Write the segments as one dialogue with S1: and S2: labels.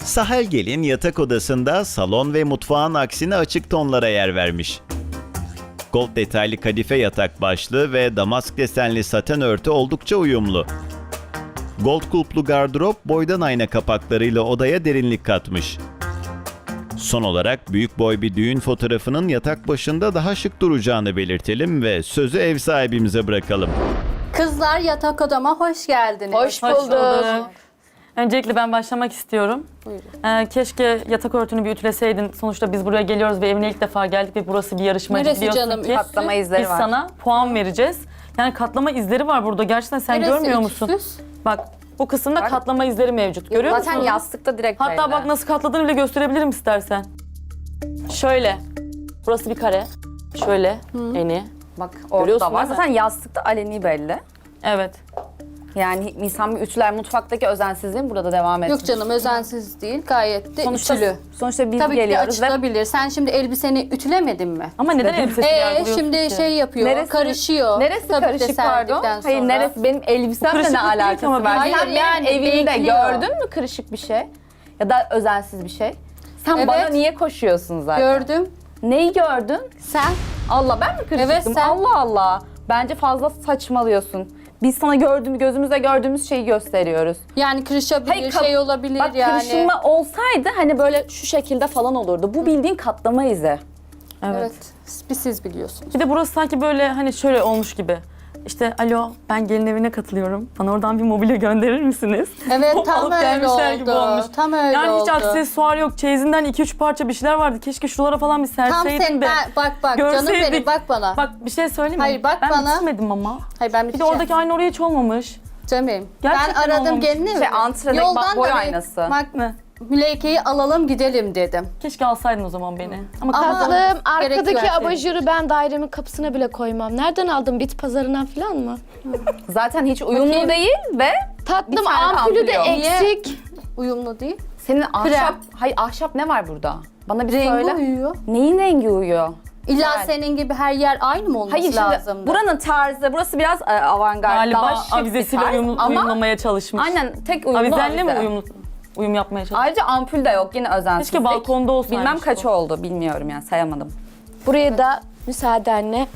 S1: Sahel Gelin yatak odasında salon ve mutfağın aksine açık tonlara yer vermiş. Gold detaylı kadife yatak başlığı ve damask desenli saten örtü oldukça uyumlu. Gold kulplu gardırop boydan ayna kapaklarıyla odaya derinlik katmış. Son olarak büyük boy bir düğün fotoğrafının yatak başında daha şık duracağını belirtelim ve sözü ev sahibimize bırakalım.
S2: Kızlar yatak odama hoş geldiniz.
S3: Hoş bulduk.
S4: Öncelikle ben başlamak istiyorum. Keşke yatak örtünü bir ütüleseydin. Sonuçta biz buraya geliyoruz ve evine ilk defa geldik ve burası bir yarışmacı,
S2: Neresi
S4: biliyorsun
S2: canım?
S4: ki.
S3: Katlama izleri
S4: Biz
S3: var.
S4: sana puan vereceğiz. Yani katlama izleri var burada. Gerçekten sen
S2: Neresi
S4: görmüyor musun?
S2: ütüsüz?
S4: Bak bu kısımda
S3: Bak.
S4: katlama izleri mevcut. Görüyor
S3: Zaten
S4: musun?
S3: yastıkta direkt
S4: Hatta
S3: belli.
S4: bak nasıl katladığını bile gösterebilirim istersen. Şöyle. Burası bir kare. Şöyle eni.
S3: Bak orada
S4: Görüyorsun
S3: da var.
S4: değil mi?
S3: Zaten yastıkta aleni belli.
S4: Evet.
S3: Yani insan bir ütüler mutfaktaki özensizliğin burada devam etmiş.
S2: Yok canım özensiz değil. Gayet de
S3: Sonuçta,
S2: ütülü.
S3: sonuçta biz
S2: Tabii ki de
S3: geliyoruz ve
S2: açılabilir. Sen şimdi elbiseni ütülemedin mi?
S4: Ama neden elbisesi yargılıyorsun
S2: Şimdi
S4: ki?
S2: şey yapıyor, karışıyor.
S3: Neresi
S2: Tabii
S3: karışık
S2: de
S3: pardon?
S2: serdikten
S3: Hayır
S2: sonra.
S3: neresi benim elbisemle
S4: Kırışıklık
S3: ne
S4: değil ki
S3: alakası
S4: ama
S3: var?
S2: hayır,
S3: Sen
S2: yani
S3: benim evimde
S2: bekliyor.
S3: gördün mü kırışık bir şey? Ya da özensiz bir şey? Sen
S2: Evet.
S3: bana niye koşuyorsun zaten?
S2: Gördüm.
S3: Neyi gördün?
S2: Sen
S3: Allah ben mi kırışıktım?
S2: Evet, sen.
S3: Allah Allah. Bence fazla saçmalıyorsun. Biz sana gözümüzle gördüğümüz şeyi gösteriyoruz.
S2: yani kırışabilir, şey olabilir
S3: Bak
S2: yani.
S3: kırışılma olsaydı hani böyle şu şekilde falan olurdu. Bu bildiğin katlama izi.
S2: Evet. Siz biliyorsunuz.
S4: Bir de burası sanki böyle hani şöyle olmuş gibi. İşte alo ben gelin evine katılıyorum. Bana oradan bir mobilya gönderir misiniz?
S2: Evet
S4: Hop,
S2: tam
S4: alıp
S2: öyle
S4: gelmişler gibi
S2: oldu.
S4: olmuş.
S2: Tam öyle
S4: Yani
S2: oldu.
S4: hiç aksesuar yok. Çeyizinden 2-3 parça bir şeyler vardı. Keşke şuralara falan bir
S2: Tam
S4: serseydin
S2: sen
S4: de.
S2: bak canım
S4: görseydik.
S2: benim bak bana.
S4: Bak bir şey söyleyeyim mi?
S2: Hayır, bak
S4: ben
S2: bana.
S4: bitirmedim ama.
S2: Hayır ben
S4: Bir de
S2: biteceğim.
S4: oradaki aynı oraya hiç olmamış.
S2: Canım benim.
S4: Gerçekten
S2: Ben aradım
S4: olmamış.
S2: gelini mi?
S3: antrenman
S2: Yoldan
S3: boy
S2: da
S3: aynası.
S2: Bak
S4: Ne?
S2: Müleyke'yi alalım gidelim dedim.
S4: Keşke alsaydın o zaman beni. Ama
S2: Ama-
S4: kazandım.
S5: Tatlım,
S2: Gerek
S5: arkadaki
S2: yok.
S5: abajuru ben dairemin kapısına bile koymam. Nereden aldın? Bit pazarından falan mı?
S3: Zaten hiç uyumlu
S2: Bakayım.
S3: değil ve
S5: Tatlım,
S3: Bir tane
S5: ampulü de
S3: ampul yok.
S5: eksik.
S2: Uyumlu değil.
S3: senin ahşap...
S2: Krem.
S3: Hayır ahşap ne var burada? Bana bir
S2: Rengi
S3: söyle.
S2: uyuyor.
S3: Neyin rengi uyuyor?
S2: İlla
S3: Güzel.
S2: senin gibi her yer aynı mı olması
S3: Hayır şimdi
S2: lazım?
S3: buranın tarzı, burası biraz avantgard, daha
S4: Galiba
S3: şık bir
S4: avizesiyle
S3: tarz. Ama
S4: uyumlamaya çalışmış.
S3: aynen tek uyumlu
S4: Avizenle mi
S3: avize.
S4: uyum yapmaya çalışmış?
S3: Ayrıca ampul de yok yine özensizlik.
S4: Keşke balkonda olsaymış
S3: Bilmem
S4: bu.
S3: kaç oldu bilmiyorum yani sayamadım.
S5: Buraya da müsaadenle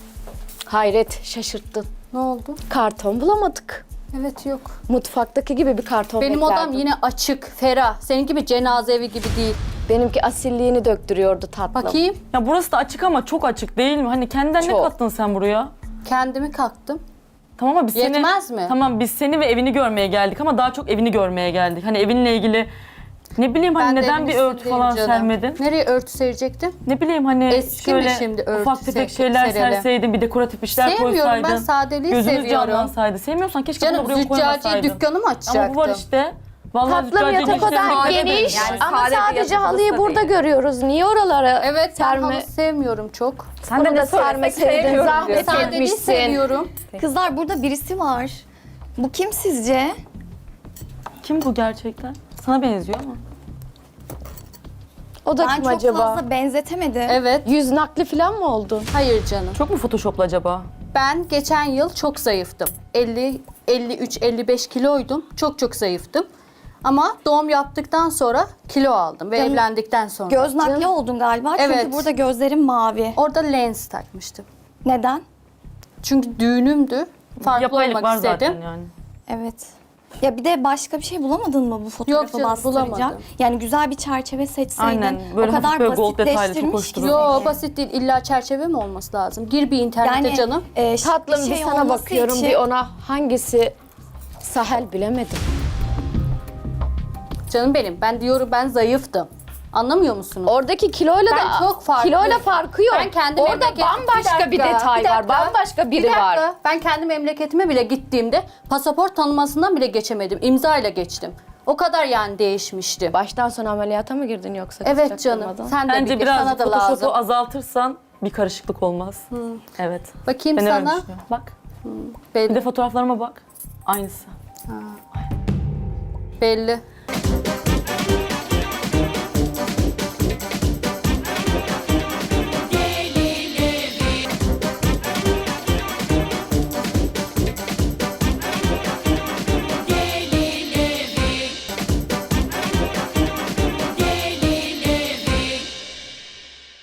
S5: hayret şaşırttın.
S2: Ne oldu?
S5: Karton bulamadık.
S2: Evet yok.
S5: Mutfaktaki gibi bir karton
S2: Benim
S5: beklerdim.
S2: odam yine açık, ferah. Senin gibi cenaze evi gibi değil.
S5: Benimki asilliğini döktürüyordu tatlım.
S2: Bakayım.
S4: Ya burası da açık ama çok açık değil mi? Hani kendinden ne
S5: Çok.
S4: kattın sen buraya?
S2: Kendimi kalktım.
S4: Tamam ama biz
S2: Yetmez
S4: seni...
S2: mi?
S4: Tamam biz seni ve evini görmeye geldik ama daha çok evini görmeye geldik. Hani evinle ilgili ne bileyim hani
S2: Ben de
S4: neden bir
S2: evin
S4: örtü
S2: üstündeyim
S4: falan
S2: canım.
S4: sermedin?
S2: Nereye örtü serecektim?
S4: Ne bileyim hani
S2: Eski mi
S4: şöyle
S2: şimdi örtü
S4: ufak tefek şeyler
S2: sereli?
S4: serseydin, bir dekoratif işler
S2: Sevmiyorum,
S4: koysaydın.
S2: ben sadeliği
S4: Gözümüz
S2: seviyorum.
S4: canlansaydı. Sevmiyorsan keşke
S2: Canım
S4: bunu buraya
S2: züccaciye
S4: koymasaydın.
S2: dükkanı mı açacaktım?
S4: Ama bu var işte. Vallahi
S5: Tatlım,
S4: züccaciye
S5: yatak odan
S3: sade
S5: geniş
S3: değil. Yani
S5: ama
S3: sade bir
S5: sadece
S3: yatak
S5: halıyı
S3: odası
S5: burada
S3: değil.
S5: görüyoruz. Niye oralara
S2: Evet ben
S5: serme?
S2: halı sevmiyorum çok.
S3: Sen
S5: Bunu
S3: de
S5: da
S3: ne söylesek
S5: sermeseydin,
S3: sevmiyorum
S5: zahmet
S3: diyorsun.
S5: et.
S2: Sadeliği
S5: Etmişsin.
S2: seviyorum.
S6: Kızlar burada birisi var. Bu kim sizce?
S4: Kim bu gerçekten? Sana benziyor ama.
S5: O da
S6: Ben
S5: kim
S6: çok
S5: acaba?
S6: fazla benzetemedim.
S2: Evet.
S5: Yüz nakli falan mı oldun?
S2: Hayır canım.
S4: Çok mu photoshoplu acaba?
S2: Ben geçen yıl çok zayıftım. 53-55 kiloydum. Çok zayıftım. Ama doğum yaptıktan sonra kilo aldım ve
S6: Canım,
S2: evlendikten sonra.
S6: Göz nakli oldun galiba.
S2: Evet.
S6: Çünkü burada gözlerim mavi.
S2: Orada lens takmıştım.
S6: Neden?
S2: Çünkü düğünümdü. Farklı
S4: Yapaylık var
S2: olmak istedim.
S4: zaten yani.
S6: Evet. Ya bir de başka bir şey bulamadın mı bu fotoğrafı
S2: canım,
S6: bastıracak?
S2: bulamadım.
S6: Yani güzel bir çerçeve seçseydin.
S4: Aynen, böyle
S6: o kadar
S4: hafif böyle gold detaylı, çok
S6: basitleştirmiş
S4: hoş
S6: ki
S4: duruyor.
S2: Yo
S6: seni.
S2: basit değil. İlla çerçeve mi olması lazım? Gir bir internete
S6: Yani
S2: canım.
S5: Tatlım
S6: bir
S5: bir
S6: şey
S5: sana
S6: olması
S5: bakıyorum
S6: için-
S5: bir ona hangisi Sahel bilemedim.
S2: Canım benim. Ben diyorum ben zayıftım. Anlamıyor musunuz?
S5: Oradaki kiloyla
S2: Ben
S5: da
S2: çok farklı.
S5: kiloyla farkı yok.
S2: Ben kendi
S5: Orada
S2: memleket-
S5: bambaşka bir detay var. Bambaşka biri var.
S2: Ben kendi memleketime bile gittiğimde pasaport tanımasından bile geçemedim. İmzayla geçtim. O kadar yani değişmişti.
S5: Baştan sona ameliyata mı girdin yoksa?
S2: Evet
S5: kız
S2: canım.
S5: çaktırmadan?
S2: Sen de
S4: Bence
S2: bir sana
S4: birazcık
S2: da lazım.
S4: photoshop'u azaltırsan bir karışıklık olmaz. Evet.
S2: Bakayım
S4: Ben öyle
S2: sana.
S4: düşünüyorum. Bak. Bir
S2: Belli.
S4: de fotoğraflarıma bak. Aynısı.
S2: Belli.